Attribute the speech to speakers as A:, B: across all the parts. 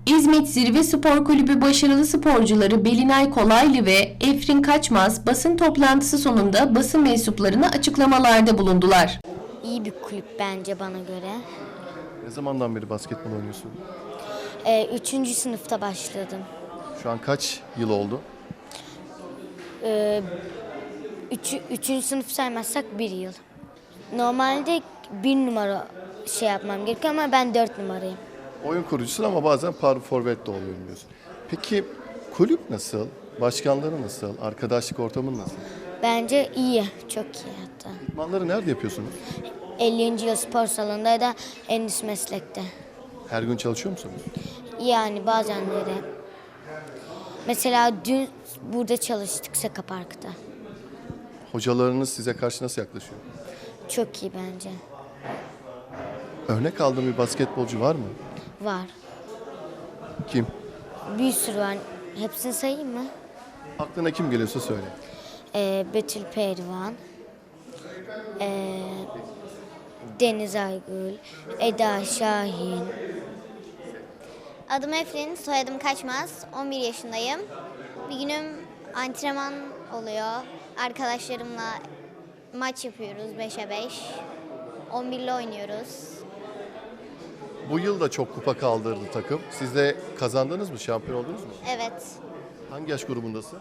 A: İzmit Zirve Spor Kulübü başarılı sporcuları Belinay Kolaylı ve Efrin Kaçmaz basın toplantısı sonunda basın mensuplarına açıklamalarda bulundular.
B: İyi bir kulüp bence bana göre.
C: Ne zamandan beri basketbol oynuyorsun?
B: 3. sınıfta başladım.
C: Şu an kaç yıl oldu?
B: 3. sınıf saymazsak 1 yıl. Normalde 1 numara yapmam gerekiyor ama ben 4 numarayım.
C: Oyun kurucusun ama bazen power forvet de oluyorum diyorsun. Peki kulüp nasıl? Başkanları nasıl? Arkadaşlık ortamın nasıl?
B: Bence iyi, çok iyi hatta.
C: İdmanları nerede yapıyorsunuz?
B: 50. yıl spor salonunda ya da Endüstri Meslek'te.
C: Her gün çalışıyor musunuz?
B: Yani bazenleri. Mesela dün burada çalıştık Seka Park'ta.
C: Hocalarınız size karşı nasıl yaklaşıyor?
B: Çok iyi bence.
C: Örnek aldığın bir basketbolcu var mı?
B: Var.
C: Kim?
B: Bir sürü var. Hepsini sayayım mı?
C: Aklına kim geliyorsa söyle.
B: Betül Pehlivan, Deniz Aygül, Eda Şahin.
D: Adım Efrin, soyadım Kaçmaz. 11 yaşındayım. Bir günüm antrenman oluyor. Arkadaşlarımla maç yapıyoruz 5'e 5. 11'li oynuyoruz.
C: Bu yıl da çok kupa kaldırdı takım. Siz de kazandınız mı? Şampiyon oldunuz mu?
D: Evet.
C: Hangi yaş grubundasın?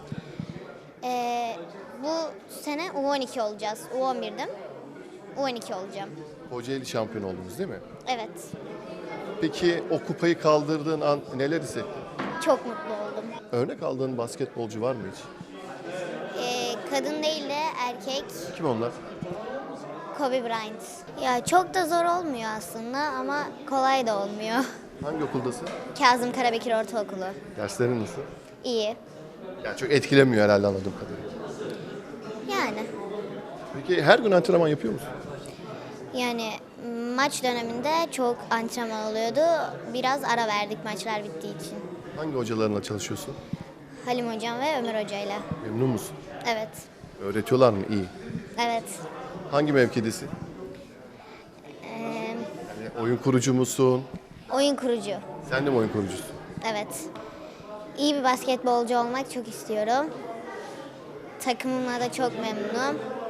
D: Bu sene U12 olacağız. U11'dim. U12 olacağım.
C: Kocaeli şampiyon oldunuz değil mi?
D: Evet.
C: Peki o kupayı kaldırdığın an neler hissettin?
D: Çok mutlu oldum.
C: Örnek aldığın basketbolcu var mı hiç?
D: Kadın değil de erkek.
C: Kim onlar?
D: Kobe Bryant. Ya çok da zor olmuyor aslında ama kolay da olmuyor.
C: Hangi okuldasın?
D: Kazım Karabekir Ortaokulu.
C: Derslerin nasıl?
D: İyi.
C: Yani çok etkilemiyor herhalde anladığım kadarıyla.
D: Yani.
C: Peki her gün antrenman yapıyor musun?
D: Yani maç döneminde çok antrenman oluyordu. Biraz ara verdik maçlar bittiği için.
C: Hangi hocalarınla çalışıyorsun?
D: Halim Hocam ve Ömer Hoca'yla.
C: Memnun musun?
D: Evet.
C: Öğretiyorlar mı? İyi.
D: Evet.
C: Hangi mevkidesin? Yani oyun kurucu musun?
D: Oyun kurucu.
C: Sen de mi oyun kurucusun?
D: Evet. İyi bir basketbolcu olmak çok istiyorum. Takımımla da çok memnunum.